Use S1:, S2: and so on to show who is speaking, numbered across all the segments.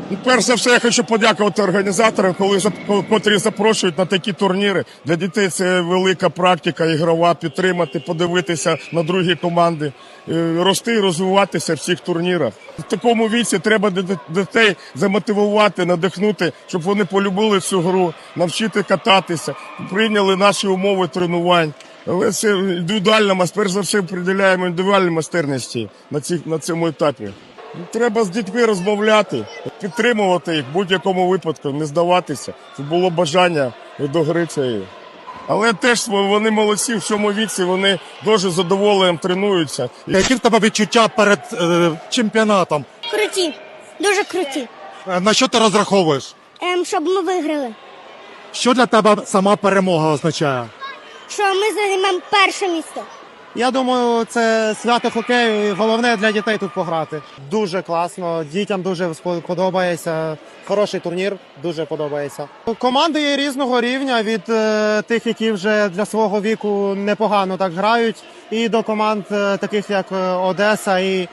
S1: Перш за все, я хочу подякувати організаторам, котрі запрошують на такі турніри. Для дітей це велика практика ігрова, підтримати, подивитися на другі команди, рости і розвиватися в цих турнірах. В такому віці треба дітей замотивувати, надихнути, щоб вони полюбили цю гру, навчити кататися, прийняли наші умови тренувань. Але це індивідуальна, перш за все, приділяємо індивідуальній майстерності на цьому етапі. Треба з дітьми розмовляти, підтримувати їх в будь-якому випадку, не здаватися, щоб було бажання до гри цієї. Але теж вони молодці, в цьому віці вони дуже задоволенням тренуються.
S2: Які в тебе відчуття перед чемпіонатом?
S3: Круті, дуже круті.
S2: На що ти розраховуєш?
S3: Щоб ми виграли.
S2: Що для тебе сама перемога означає?
S3: Що ми займемо перше місце.
S4: Я думаю, це свято хокею і головне для дітей тут пограти. Дуже класно, дітям дуже подобається. Хороший турнір, дуже подобається. Команди є різного рівня, від тих, які вже для свого віку непогано так грають, і до команд таких, як Одеса і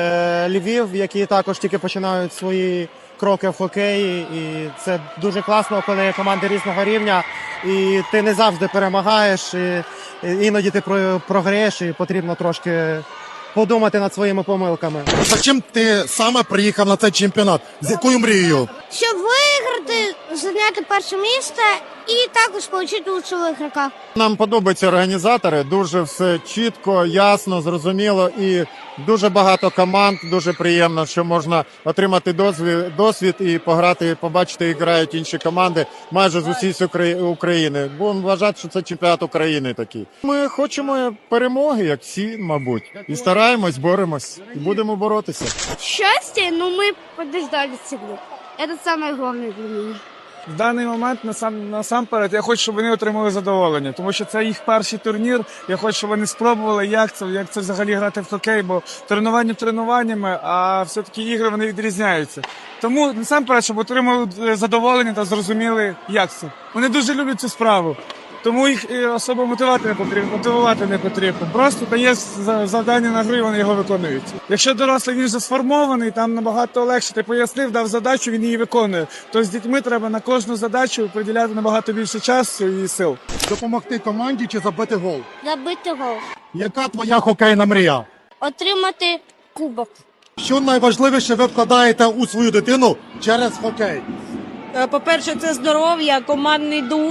S4: Львів, які також тільки починають свої кроки в хокеї. І це дуже класно, коли є команди різного рівня, і ти не завжди перемагаєш, і іноді ти програєш, і потрібно трошки подумати над своїми помилками.
S2: За чим ти саме приїхав на цей чемпіонат? З якою мрією?
S3: Щоб виграти, зайняти перше місце і також отримати лучшого ігрока.
S4: Нам подобаються організатори, дуже все чітко, ясно, зрозуміло, і дуже багато команд, дуже приємно, що можна отримати досвід і пограти, побачити, як грають інші команди майже з усієї України. Будемо вважати, що це чемпіонат України такий. Ми хочемо перемоги, як всі, мабуть, і стараємось, боремось, і будемо боротися.
S3: Щастя, ми подождали цього. Це найголовніше для мене.
S5: В даний момент насамперед я хочу, щоб вони отримали задоволення, тому що це їх перший турнір. Я хочу, щоб вони спробували, як це взагалі грати в хокей, бо тренування тренуваннями, а все-таки ігри вони відрізняються. Тому насамперед, щоб отримали задоволення та зрозуміли, як це. Вони дуже люблять цю справу. Тому їх особо мотивувати не потрібно. Просто дає завдання на гру, і вони його виконують. Якщо дорослий він вже сформований, там набагато легше. Ти пояснив, дав задачу, він її виконує. То з дітьми треба на кожну задачу приділяти набагато більше часу і сил.
S2: Допомогти команді чи забити гол?
S3: Забити гол.
S2: Яка твоя хокейна мрія?
S3: Отримати кубок.
S2: Що найважливіше ви вкладаєте у свою дитину через хокей?
S6: По-перше, це здоров'я, командний дух,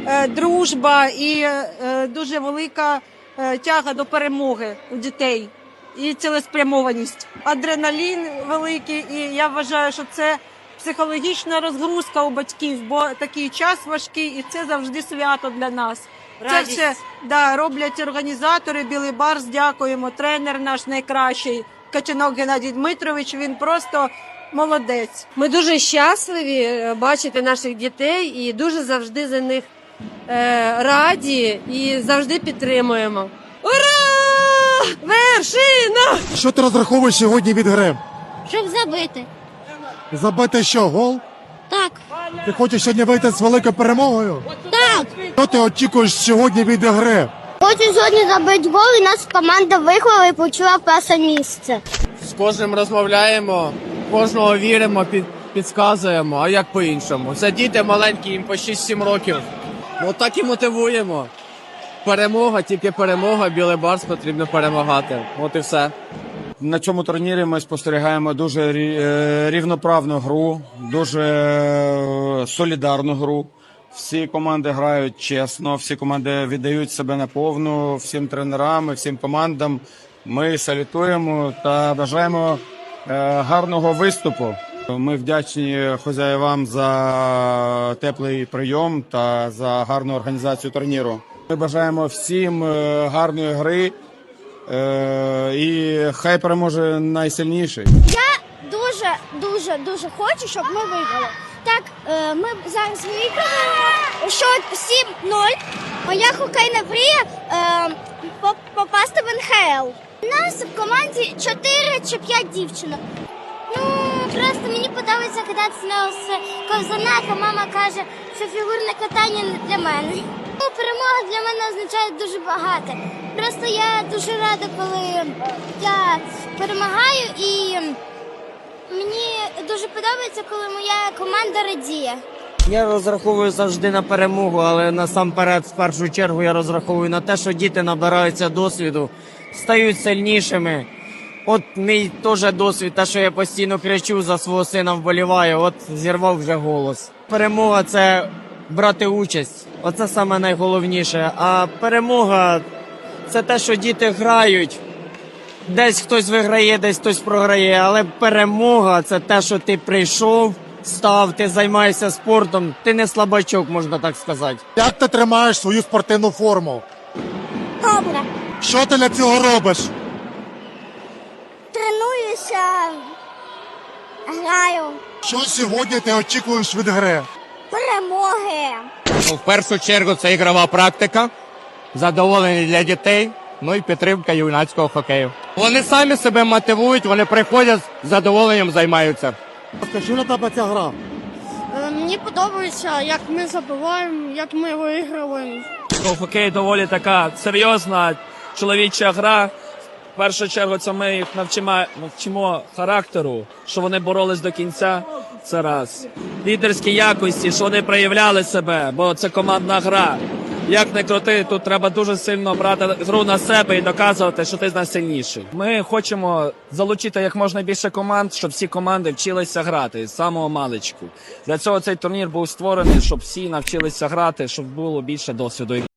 S6: дружба і дуже велика тяга до перемоги у дітей і цілеспрямованість. Адреналін великий, і я вважаю, що це психологічна розгрузка у батьків, бо такий час важкий, і це завжди свято для нас. Радість. Це все роблять організатори, Білий Барс, дякуємо, тренер наш найкращий, Качанок Геннадій Дмитрович, він просто молодець.
S7: Ми дуже щасливі бачити наших дітей і дуже завжди за них раді і завжди підтримуємо. Ура! Вершина!
S2: Що ти розраховуєш сьогодні від гри?
S3: Щоб забити.
S2: Забити що, гол?
S3: Так.
S2: Ти хочеш сьогодні вийти з великою перемогою?
S3: Так.
S2: Що ти очікуєш сьогодні від гри?
S3: Хочу сьогодні забити гол, і нас команда виграла і почула перше місце.
S8: З кожним розмовляємо, кожного віримо, підказуємо, а як по-іншому. Це діти маленькі, їм по 6-7 років. Ну так і мотивуємо. Перемога, тільки перемога, Білий Барс потрібно перемагати. От і все.
S9: На цьому турнірі ми спостерігаємо дуже рівноправну гру, дуже солідарну гру. Всі команди грають чесно, всі команди віддають себе наповну, всім тренерам, всім командам. Ми салютуємо та бажаємо гарного виступу. Ми вдячні хазяївам за теплий прийом та за гарну організацію турніру. Ми бажаємо всім гарної гри і хай переможе найсильніший.
S3: Я дуже хочу, щоб ми виграли. Так, ми зараз виграли счет 7-0. Моя хокейна мрія попасти в НХЛ. У нас в команді 4 чи 5 дівчинок. Просто мені подобається кататися з ковзанах, а мама каже, що фігурне катання не для мене. Перемога для мене означає дуже багато. Просто я дуже рада, коли я перемагаю, і мені дуже подобається, коли моя команда радіє.
S10: Я розраховую завжди на перемогу, але насамперед, в першу чергу, я розраховую на те, що діти набираються досвіду, стають сильнішими. От мій теж досвід, те, що я постійно кричу за свого сина, вболіваю, от зірвав вже голос. Перемога – це брати участь, оце саме найголовніше. А перемога – це те, що діти грають. Десь хтось виграє, десь хтось програє, але перемога – це те, що ти прийшов, став, ти займаєшся спортом, ти не слабачок, можна так сказати.
S2: Як ти тримаєш свою спортивну форму?
S3: Добре.
S2: Що ти для цього робиш?
S3: Тренуюся, граю,
S2: Що сьогодні ти очікуєш від гри?
S3: перемоги.
S8: В першу чергу це ігрова практика, задоволення для дітей, ну і підтримка юнацького хокею. Вони самі себе мотивують, вони приходять, з задоволенням займаються.
S2: Що для тебе ця гра?
S3: Мені подобається, як ми забиваємо, як ми виграємо.
S11: Хокей доволі така серйозна чоловіча гра. В першу чергу це ми їх навчимо характеру, що вони боролись до кінця. Це раз. Лідерські якості, що вони проявляли себе, бо це командна гра. Як не крути, тут треба дуже сильно брати гру на себе і доказувати, що ти з нас сильніший. Ми хочемо залучити як можна більше команд, щоб всі команди вчилися грати з самого маличку. Для цього цей турнір був створений, щоб всі навчилися грати, щоб було більше досвіду.